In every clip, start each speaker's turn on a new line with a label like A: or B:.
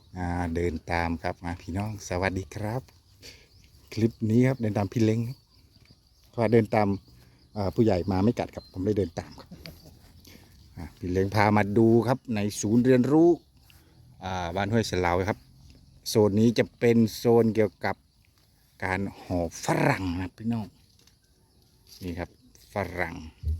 A: เดินตามครับมาพี่น้องสวัสดีครับ คลิปนี้ครับเดินตามพี่เล้งครับเพราะว่าเดินตามผู้ใหญ่มาไม่กัดครับผมเลยเดินตามครับพี่เล้งพามาดูครับในศูนย์เรียนรู้บ้านห้วยเสลาครับโซนนี้จะเป็นโซนเกี่ยวกับการห่อฝรั่งนะพี่น้องนี่ครับฝรั่ง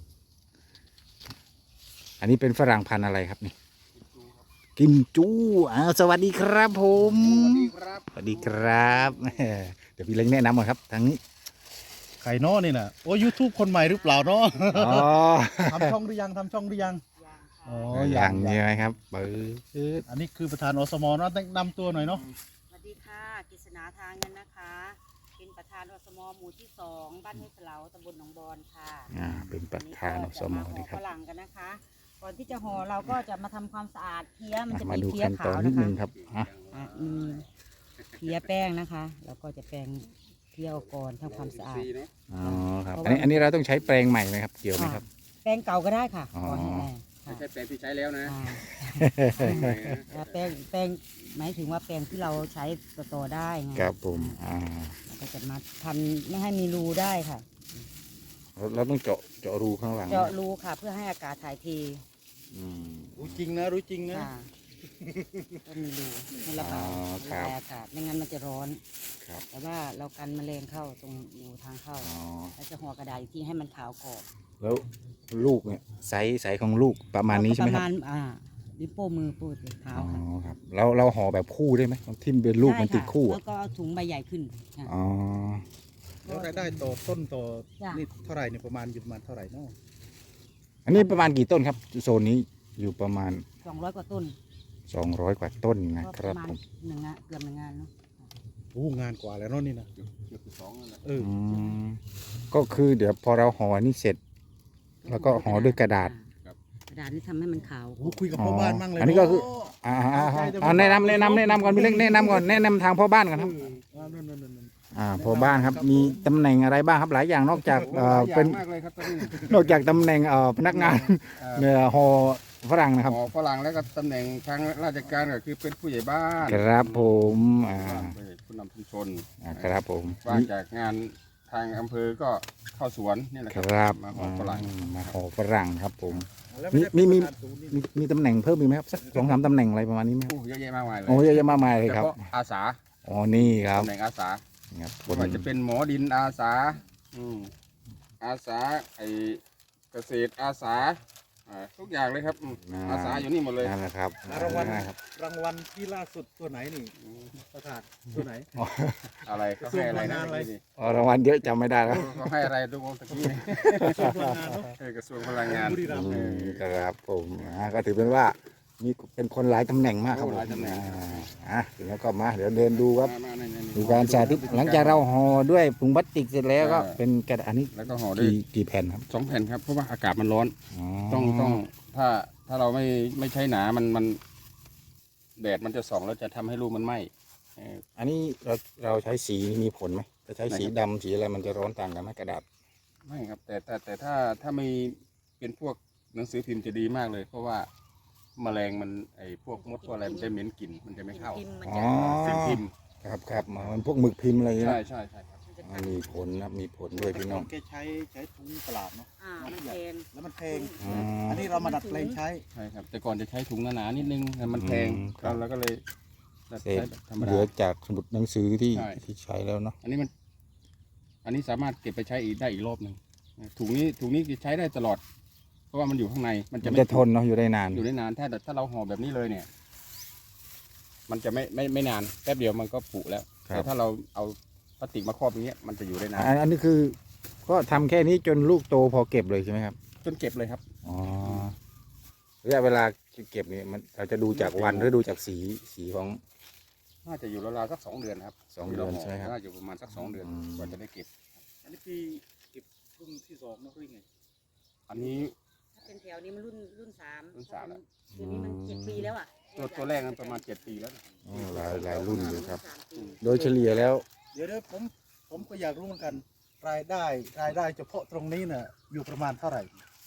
A: อันนี้เป็นฝรั่งพันธุ์อะไรครับนี่กิมจูสวัสดีครับผม
B: สวัสดีครับ
A: สวัสดีครับเดี๋ยวพี่เล้งแนะนำก่อนครับทางนี้
B: ไข่น้อนี่นะโอ้ยูทูบคนใหม่หรือเปล่าเนาะ
A: อ๋อ
B: ทำช่องหรือยังทำช่องหรือยังอ๋อ
A: อย่างนี้ไหมครับเปิด
B: อันนี้คือประธานอสมเนาะแนะนำตัวหน่อยเนาะ
C: สวัสดีค่ะกฤษณาทางเงินนะคะ เป็นประธานอสมหมู่ที่2บ้านห้วยเสลาตำบลหนองบอนค่ะ
A: เป็นประธานอสม
C: วันนี้
A: นะค
C: ก็
A: รับ
C: จะมาห่อฝรั่งกันนะคะ ก่อนที่จะห่อเราก็จะมาทำความสะอาดเพี้ยมันจะ
A: มา
C: มี
A: ดู
C: เพี้ย
A: ขั้นตอ
C: ขาน ว
A: นิด
C: นะคะ
A: นึงครับ
C: มีเพี้ยแป้งนะคะแล้วก็จะแปรงเพี้ยออกก่อนทำความสะอาด
A: อ๋อครับอันนี้เราต้องใช้แปรงใหม่ไหมครับเกี่ยวไหมครับ
C: แป้งเก่าก็ได้ค่ะ
A: อ๋อ
C: ก่อนให้แม่
D: ไม่ใช่แปลงที่ใช้แล้วนะ
C: แล้วแป้งหมายถึงว่าแป้งที่เราใช้ต่อได้ไง
A: ครับผม
C: เราก็จะมาทำไม่ให้มีรูได้ค่ะ
A: เราต้องเจาะรูข้างหลัง
C: เจาะรูค่ะเพื่อให้อากาศถ่ายเท
A: อืม
B: รู้จริงนะรู้จริงนะ
C: ค่ะก็มีรูให้ระบาย
A: อ๋อ
C: ระ
A: ครับ
C: บายอากาศไม่งั้นมันจะร้อน
A: ครับ
C: แต่ว่าเรากันแมลงเข้าตรงรูทางเข้า
A: อ๋อ
C: แล้วจะห่อกระดาษอีกทีให้มันขาวกรอบ
A: แล้วลูกเนี่ยไซส์ของลูกประมาณนี้ใช่ไหม
C: ป
A: ค
C: ระ
A: รับ
C: มาณนิ้วโป้งมือปูดเท้า
A: อ๋อ
C: ค่ะ
A: ครับเราห่อแบบคู่ได้ไหมที่เป็นลูกมันติดคู่
C: ได้ค่ะแล้วก็เอาถุงใบใหญ่ขึ้นค่ะ
A: อ๋อ
B: แล้วรายได้ต่อต้นต่อ
C: จ้ะ
B: นี่เท่าไหร่เนี่ยประมาณอยู่ประมาณเท่าไหร่เนาะ
A: อันนี้ประมาณกี่ต้นครับโซนนี้อยู่ประมาณ
C: 200 กว่าต้น
A: 200 กว่าต้นนะ
C: ก็
A: ค
C: ป
A: รับ
C: ระมาณ
A: ผม
C: หนึ่งงานเกือบหนึ่งงานเนาะ
B: โอ้งานกว่าแล้วเนาะนี่นะ
D: เกือบสองนั่นแหละ
B: เออ
A: ก็คือเดี๋ยวพอเราห่อนี่เสร็จ แล้วก็ห่อด้วยกระดาษ
C: กระดาษนี่ทำให้มันขาว
B: โอ้คุยกับพ่อบ้านมั่งเลย
A: อันนี้ก็คือ
B: เ
A: แนะนำก่อนพี่เล็กแนะนำก่อนแนะนำทางพ่อบ้านก่อนครับ
B: นั่น
A: พ่อบ้านครับมีตำแหน่งอะไรบ้างครับหลายอย่างนอกจากเป็น
D: มากเลยครับตอนนี้
A: นอกจากตำแหน่งพนักงาน เนี่ยห่อฝรั่งนะครับ
D: หมอฝรั่งแล้วก็ตำแหน่งทางราชการก็คือเป็นผู้ใหญ่บ้าน
A: ครับผม
D: ผู้นำชุมชน
A: ครับผม
D: ว่างจากงานทางอำเภอก็เข้าสวนนี่แหละ
A: ค
D: ครับ
A: รับ
D: มาหอฝรั่ง
A: มาห่อฝรั่งครับผม
B: แล้ว
A: มี
B: มี
A: มีตำแหน่งเพิ่มอีกไหมครับสัก2-3ตำแหน่งอะไรประมาณนี้ไหมครับ
D: โอ้เยอะแยะมากมายเลย
A: โอ้เยอะแยะมากมายเลยครับ
D: ฉพาะอาสา
A: อ๋อนี่ครับ
D: ตำแหน่งอาสา
A: นี่ครับ
D: ไม่ว่าจะเป็นหมอดินอาสาอาสาไอเกษตรอาสาทุกอย่างเลยครับอาสาอยู่นี่หมดเลย
A: นั่นแหละครับ
B: รางวัล
A: ครับ
B: รางวัลที่ล่าสุดตัวไหนนี่ประธานตัวไหน
D: อะไรก็ให้อะไรนะ
B: กระทรวงพลังงานอะไร
D: นี่
A: รางวัลเยอะจำไม่ได้แล้ว
D: ก็ให้อะไรทุกคนตะกี้นี่
B: กระทรวงพลังงานเนาะ
D: กระทรวงพลังงาน
B: บุรีรัมย์
A: ครับผมก็ถือเป็นว่ามีเป็นคนหลายตำแหน่งมากครับผม
D: หลายตำแหน่ง
A: ถึงแล้วก็มาเดี๋ยวเดินดูครับ
D: มานี่
A: ดูการสาธิตหลังจากเราห่อด้วยถุงพลาสติกเสร็จแล้วก็เป็นกระดาษอันนี้
D: แล้วก็ห่อด้วย
A: กี่แผ่นครับ
D: 2 แผ่นครับเพราะว่าอากาศมันร้อนต้องถ้าเราไม่ใช้หนามันแดดมันจะส่องแล้วจะทำให้รูปมันไหม้
A: อันนี้เราใช้สีมีผลไหมจะใช้สีดำสีอะไรมันจะร้อนต่างกันไหมกระดาษ
D: ไม่ครับแต่ถ้าไม่เป็นพวกหนังสือพิมพ์จะดีมากเลย เพราะว่าแมลงมันไอพวกมดพวกอะไรมันจะเหม็นกลิ่นมันจะไม่เข้า
C: พิมพ์มัน
A: อ๋
C: จะ
A: อ
D: สิ่งพิมพ์
A: ครับมันพวกหมึกพิมพ์อะไรอย่างเงี้ย
D: ใช่ครับ
C: มันจะ
A: มีผลนะมีผลด้วยพี่น้อง
B: แกใช้ถุงตลาดเนาะ
C: มันแพง
B: แล้วมันแพง
A: อืม
B: อันนี้เรามาดัดแปลงใช้
D: ใช่ครับแต่ก่อนจะใช้ถุงหนาๆนิดนึงแต่มันแพง
A: ครับ
D: เราก็เลย
A: เศ
D: ใช้
A: ษ
D: แบบธรรม
A: เหลื
D: ดา
A: อจากสมุดหนังสือที่
D: ใช่
A: ใช้แล้วเนาะ
D: อันนี้สามารถเก็บไปใช้อีกได้อีกรอบหนึ่งถุงนี้จะใช้ได้ตลอด เพราะว่ามันอยู่ข้างในมันจะ
A: มัน
D: ไม่
A: จะทนเนาะอยู่ได้นาน
D: อยู่ได้นานถ้าเราห่อแบบนี้เลยเนี่ย มันจะไม่นานแป๊บเดียวมันก็ผุแล้ว
A: ครับ
D: แต่ถ้าเราเอาพลาสติกมาครอบอย่างเงี้ยมันจะอยู่ได้นาน
A: อันนี้คือก็ทำแค่นี้จนลูกโตพอเก็บเลยใช่ไหมครับ
D: จนเก็บเลยครับ
A: อ๋อระยะเวลาเก็บนี่มันเราจะดูจากวันหรือดูจากสีของ
D: น่าจะอยู่ราวๆสัก2 เดือนครับ
A: 2 เดือนใช่ไหมครับ
D: น่าจะอยู่ประมาณสัก2 เดือน
A: อืม
D: กว่าจะได้เก็บ
B: อันนี้ปีเก็บรุ่นที่2เนาะหรือไง
D: อันนี้
C: ถ้าเป็นแถวนี้มันรุ่น 3
D: รุ่นสามแล้ว
C: คือนี้มัน7 ปีแล้วอ่ะ
D: ตัวแรกนั้นประมาณ7 ปีแล้วนะ
A: หลายรุ่นอยู่ครับ
C: 3 ปี
A: โดยเฉลี่ยแล้ว
B: เดี๋ยวผมก็อยากรู้เหมือนกันรายได้เฉพาะตรงนี้น่ะอยู่ประมาณเท่าไหร่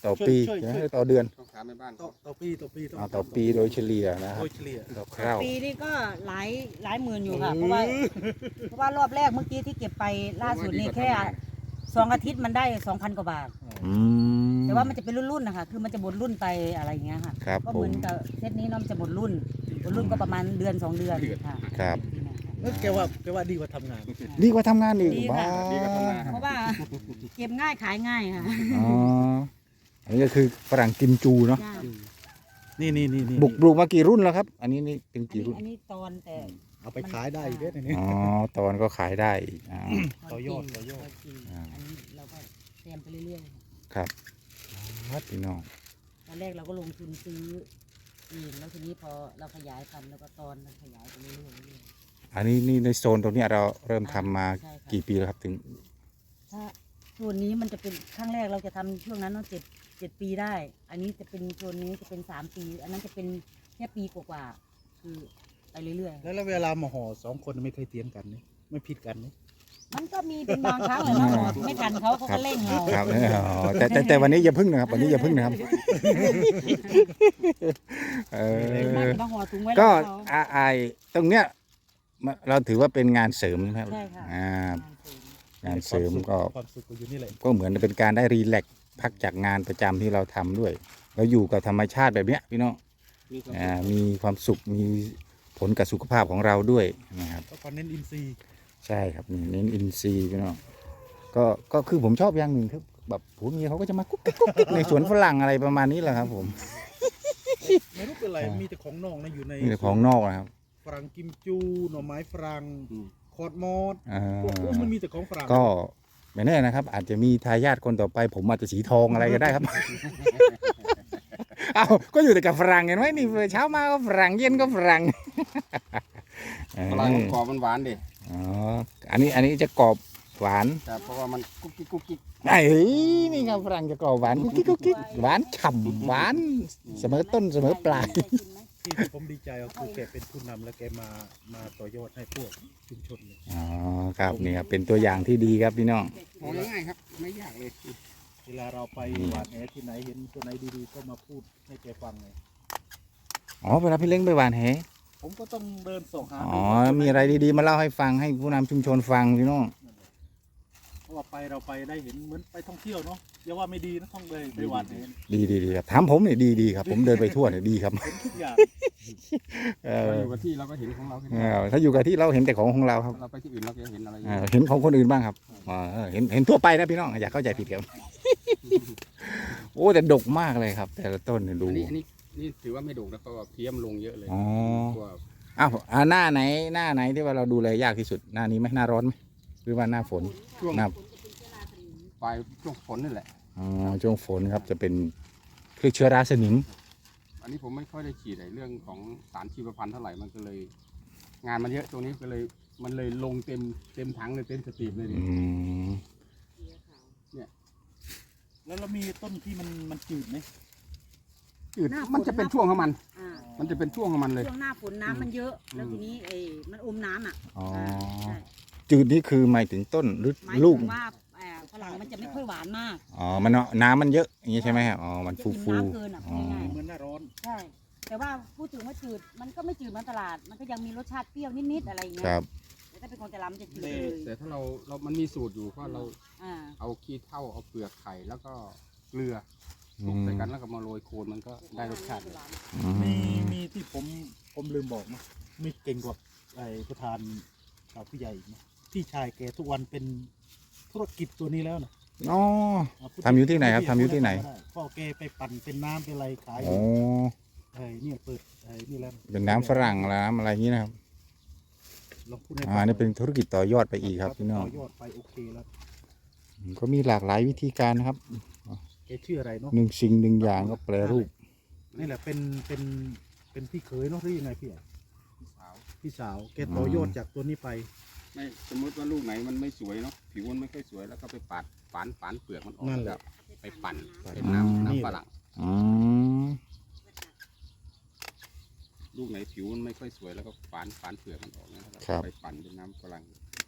A: ต่อปีต่อเดือน
D: ต้องถามในบ้าน
B: ต่อปีต่อปี
A: ต่อปีโดยเฉลี่ยนะค
B: โด
A: รับ
B: ยเฉลี่ย
A: ต่อคราว
C: ปีนี้ก็หลายหมื่นอยู่ค่ะ เพราะว่ารอบแรกเมื่อกี้ที่เก็บไปล่าสุดนี่แค่2 อาทิตย์มันได้ 2,000 กว่าบาท
A: อืม
C: แต่ว่ามันจะเป็นรุ่นๆนะคะคือมันจะหมดรุ่นไปอะไรอย่างเงี้ยค่ะ
A: ครับ
C: ก็
A: ผ
C: เหมื
A: ม
C: อนกับเซตนี้เน้องจะหมดรุ่นก็ประมาณเดือน 2 เดือนค่ะ
A: ครับ
B: แกว่าดีกว่าทำงาน
A: ดีกว่าทำงานอีก
C: ดี
A: บ้า
C: ค่ะ
D: ดีก็ทำนา
C: เพราะว่าเก็บง่ายขายง่ายค่ะ
A: อ๋ออันนี้ก็คือฝรั่งกิมจูเนาะ
C: จ้า
B: นี่
A: บุกมากี่รุ่นแล้วครับ อันนี้นี่เป็นกี่รุ่น
C: อันนี้ตอนแต่
B: เอาไปขายได้อีกเด้อเนี่ย
A: อ๋อตอนก็ขายได้อีกอ่า
B: ต่อยอด
C: จริง
A: อ่า
C: อันนี้เราก็เตรียมไปเรื่อยๆ
A: ครับพี่น้อง
C: ตอนแรกเราก็ลงทุนซื้อเองแล้วทีนี้พอเราขยายพันธุ์แล้วก็ตอนมันขยายไปเรื่อยๆ
A: อันนี้นี่ในโซนตรงเนี้ยเราเริ่มทำมา
C: ใช่ค่ะ
A: กี่ปีแล้วครับถึง
C: ถ้าส่วนนี้มันจะเป็นครั้งแรกเราจะทำช่วงนั้นต้อง7 ปีได้ อันนี้จะเป็นส่วนนี้จะเป็น3 ปี อันนั้นจะเป็นแค่ปีกว่าๆคือไปเรื่อย
B: แล้วเวลามาห่อ2 คนไม่เคยเถียงกันนี่ไม่ผิดกันนี่
C: ๆ มันก็มีเป็นบางครั้งเลยนะหมอไม่ทันเขาก็เร่งเรา
A: ครับอ๋อแต่วันนี้อย่าพึ่งนะครับ วันนี้อย่าพึ่งนะครับเออ
C: มากบางหัวถุงไว้
A: ก็
C: แล้วเขา
A: ไอตรงเนี้ยเราถือว่าเป็นงานเสริมใช่ไหมครับ
C: ใช่ค่ะ
A: งานเสริมก็
B: ความสุขก็อยู่นี่แหละ
A: ก็เหมือนเป็นการได้รีแลกซ์พักจากงานประจำที่เราทำด้วย เราอยู่กับธรรมชาติแบบเนี้ยพี่น้อง
D: มีความสุข
A: มีความสุขมีผลกับสุขภาพของเราด้วยนะครับ
B: ก็คอนเน้นอินซีย์
A: ใช่ครับนี่เน้นอินทรีย์พี่น้องก็คือผมชอบอย่างหนึ่งคือแบบผัวเมียเขาก็จะมากุ๊กกิ๊กกุ๊กกิ๊กในสวนฝรั่งอะไรประมาณนี้แหละครับผม
B: ไม่รู้เป็นไรมีแต่ของนอกนะอยู่ใน
A: นี่แต่ของนอกนะครับ
B: ฝรั่งกิมจูหน่อไม้ฝรั่ง
D: อืม
B: คอร์ดมอส
A: อ่า
B: โอ้โหมันมีแต่ของฝรั่ง
A: ก็ไม่แน่นะครับ อาจจะมีทายาทคนต่อไป ผมอาจจะสีทองอะไรก็ได้ครับ เอาก็อยู่แต่กับฝรั่งเห็นไหมนี่เช้ามาก็ฝรั่งเย็นก็ฝรั่ง
D: ฝรั่งมันกรอบมันหวานดิ
A: อ๋ออันนี้จะกรอบหวาน
D: ครับเพราะว่ามันกุ๊กกิ๊กกุ๊กกิ๊ก
A: ไอ้นี่ครับฝรั่งจะกรอบหวานกุ๊กกิ๊กกุ๊กกิ๊กหวานฉ่ำหวานเสมอต้นเสมอปลาย
B: ที่ผมดีใจก็คือแกเป็นผู้นำและแกมาต่อยอดให้พวกชุมชนเลย
A: อ๋อครับนี่ครับเป็นตัวอย่างที่ดีครับพี่น้อง
D: มองง่ายๆครับ ไม่ยากเลย
B: เวลาเราไปหวานแหที่ไหนเห็นตัวไหนดีๆก็มาพูดให้แกฟังเลย
A: อ๋อเวลาพี่เล้งไปหวานแห
B: ผมก็ต้องเดินส่องหา
A: อ๋อมีอะไรดีๆมาเล่าให้ฟังให้ผู้นำชุมชนฟังพี่น้อง
B: เพราะว่าเราไปได้เห็นเหมือนไปท่องเที่ยวเนาะอย่าว่าไม่ดีนะท่องเลยไปหวานแห
A: ดีครับถามผมเนี่ยดีครับ ผมเดินไปทั่วเนี่ยดีครับ
B: เห็นทุกอย่าง
A: เอ
D: เรา
A: อ
D: อยู่กับที่เราก็เห็นของเราแค่นั้น
A: ถ้าอยู่กับที่เราเห็นแต่ของเราครับ
D: เราไปที่อื่นเราก็เห็นอะไร
A: เห็นของคนอื่นบ้างครับเห็นทั่วไปนะพี่น้องอย่าเข้าใจผิดครับโอ้แต่ดกมากเลยครับ แต่ละต้นเนี่ยดู
D: นี่ถือว่าไม่ดุแล้วก็เพี้ยมลงเยอะเลย
A: อ๋อ
D: ตัว
A: อ้าวหน้าไหนที่ว่าเราดูแลยากที่สุดหน้านี้ไหมหน้าร้อนไหมหรือว่าหน้าฝน
D: ช่วง
A: หน้า
D: ปลายช่วงฝนนี่แหละ
A: อ๋อช่วงฝนครับจะเป็นคือเชื้อราสนิม
D: อันนี้ผมไม่ค่อยได้ฉีดในเรื่องของสารชีวพันธุ์เท่าไหร่มันก็เลย งานมันเยอะตรงนี้ก็เลยมันเลยลงเต็มถังเลยเต็มสตรีมเลยดิ
A: อืม
B: แล้วเรามีต้นที่มันจืดไหม
D: จืดมันจะเป็นช่วงของมัน
C: อ่า
D: มันจะเป็นช่วงของมันเลย
C: ช่วงหน้าฝนน้ำมันเยอะ แล้วทีนี้มันอมน้ำอ่ะ
A: อ๋อ
C: ใช่
A: จืดนี่คือหมายถึงต้นหรือ
C: หมาย
A: ลู
C: ถึ
A: ก
C: งว่าฝรั่งมันจะไม่ค่อยหวานมาก
A: อ๋อมันน้ำมันเยอะอย่างนี้ใช่ไหมครับอ๋อมัน
C: จะ
A: ฟู
C: กิน
A: ฟู
C: น้ำเกินอ่ะพูดง่าย
B: เหมือนหน้าร้อน
C: ๆใช่ แต่ว่าพูดถึงว่าจืดมันก็ไม่จืดเหมือนตลาด มันก็ยังมีรสชาติเปรี้ยวนิดๆอะไรอย่างเงี้
A: ค
C: ย
A: รับ
C: แต่ถ้าเป็นคนแต่ละมันจะจืดเลย
D: แต่ถ้าเรามันมีสูตรอยู่เพราะเรา
C: อ่า
D: เอาขี้เถ้าเอาเปลือกไข่แล้วก็เกลือ
A: อื
D: คลุก
A: ม
D: ใส่กันแล้วก็มาโรยโคนมันก็ได้รสชาติเลย
A: อื
B: มีที่ผมลืมบอกนะมีเก่งกว่าไอ้ประธานผู้ใหญ่อีกนะพี่ชายแกทุกวันเป็นธุรกิจตัวนี้แล้วนะ
A: อ๋อ ทำอยู่ที่ไหนครับทำอยู่ที่ไหน
B: พ่อแกไปปั่นเป็นน้ำเป็นอะไรขาย
A: โอ้
B: เนี่ยเปิดนี่แล้ว
A: เป็นน้ำฝรั่งแล้วน้ำอะไรอย่างนี้นะครับ
B: ลองพูดให้
A: นี่เป็นธุรกิจต่อยอดไปอีกครับพี่น้อง
B: ต่อยอดไปโอเคแล้ว
A: ก็มีหลากหลายวิธีการนะครับ
B: แกชื่ออะไรเนาะ
A: หนึ่งสิ่งหนึ่งอย่างก็แปรรูป
B: นี่แหละเป็นพี่เขยเนาะหรือยังไงพี่อ่ะ
D: สาว
B: พี่สาวแกต่อยอดจากตัวนี้ไป
D: ไม่สมมติว่าลูกไหนมันไม่สวยเนาะผิวมันไม่ค่อยสวยแล้วก็ไปปาดฝานเปลือกมันออก
B: นั่นแหละ
D: ไปปั่น
B: ปั่น
D: เป็น
A: อืม
D: น้ำฝรั่ง
A: อืม
D: ลูกไหนผิวมันไม่ค่อยสวยแล้วก็ฝานเปลือกมันออกนะครับไปปั่นเป็นน้ำฝรั่ง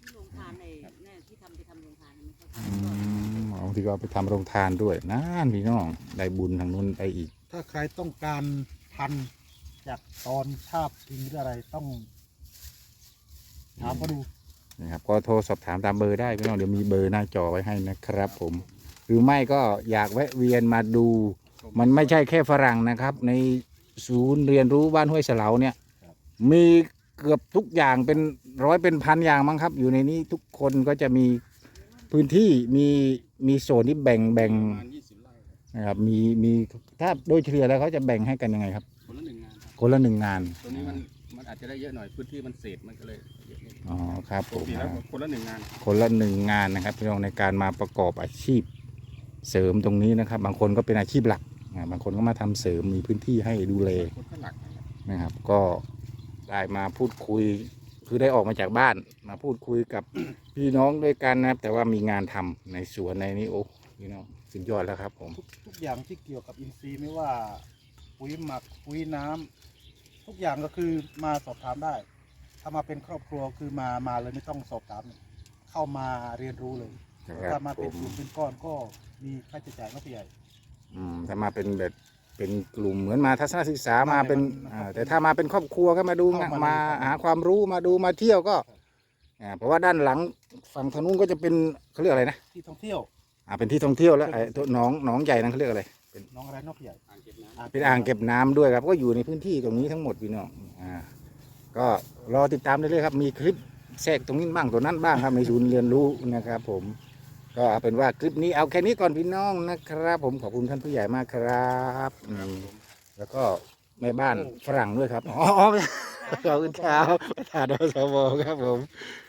C: ที่โรงทานในเนี่ยที่ทำไปทำโรงทานมันเขา
A: อืมบางทีก็เอาไปทำโรงทานด้วยนั่นพี่น้องได้บุญทางนู้นไปอีก
B: ถ้าใครต้องการพันธุ์จากตอนชาบกินหรืออะไรต้องถามเขาดู
A: นะครับก็โทรสอบถามตามเบอร์ได้พี่น้องเดี๋ยวมีเบอร์หน้าจอไว้ให้นะครับผม หรือไม่ก็อยากแวะเวียนมาดู มันไม่ใช่แค่ฝรั่งนะครับ ในศูนย์เรียนรู้บ้านห้วยเสลาเนี่ย มีเกือบทุกอย่างเป็นร้อยเป็นพันอย่างมั้งครับ อยู่ในนี้ทุกคนก็จะมีพื้นที่มีโซนที่แบ่ง
D: ประมาณ20 ไร่ครับ
A: นะครับมีถ้าโดยเฉลี่ยแล้วเขาจะแบ่งให้กันยังไงครับ
D: คนละ1 งานครับ
A: คนละหนึ่งงาน
D: ตัวนี้มันอาจจะได้เยอะหน่อยพื้นที่มันเศษมันก็เลยเยอะนิด
A: อ๋อครับ
D: ป
A: ผ
D: ก
A: ม
D: ติแล้วคนละ1 งาน
A: คนละหนึ่งงานนะครับพี่น้องในการมาประกอบอาชีพเสริมตรงนี้นะครับ บางคนก็เป็นอาชีพหลักบางคนก็มาทำเสริมมีพื้นที่ให้ดูแล
D: คนก็หลักนะครับ
A: นะครับ ก็ได้มาพูดคุยคือได้ออกมาจากบ้านมาพูดคุยกับ พี่น้องด้วยกันนะครับ แต่ว่ามีงานทำในสวนในนี้โอ้พี่น้องสุดยอดแล้วครับผม
B: ทุกอย่างที่เกี่ยวกับอินทรีย์ไม่ว่าปุ๋ยหมักปุ๋ยน้ำทุกอย่างก็คือมาสอบถามได้ ถ้ามาเป็นครอบครัวคือมาเลยไม่ต้องสอบถาม เข้ามาเรียนรู้เลย
A: นะครับ
B: ถ้ามา
A: ผ
B: เป็น
A: ม
B: กลุ่มเป็นก้อนก็มีค่าใช้จ่ายก็ผู้ใหญ่
A: ถ้ามาเป็นแบบเป็นกลุ่มเหมือนมาทัศนศึกษามาเป็น
B: มาเป็น
A: แต่ถ้ามาเป็นครอบครัวก็มาดู
B: เข้ามา
A: มา
B: เลยครับ
A: หาความรู้มาดูมาเที่ยวก็เพราะว่าด้านหลังฝั่งทางนู้นก็จะเป็นเขาเรียกอะไรนะ
B: ที่ท่องเที่ยว
A: เป็นที่ท่องเที่ยวแล้วไอ้ตัวหนองใหญ่นั่นเขาเรียกอะไร
B: น้องอะไรนอกผู้ใหญ่
D: อ่างเก็บน้ำ
A: เป็นอ่างเก็บน้ำด้วยครับก็อยู่ในพื้นที่ตรงนี้ทั้งหมดพี่น้องก็รอติดตามได้เลยๆครับมีคลิปแทรกตรงนี้บ้างตัวนั้นบ้างครับในศูนย์เรียนรู้นะครับ ผมก็เอาเป็นว่าคลิปนี้เอาแค่นี้ก่อนพี่น้องนะครับ ผมขอบคุณท่านผู้ใหญ่มากครับแล้วก็แม่บ้านฝรั่งด้วยครับอ๋อขอบคุณครับประธานอสมครับผม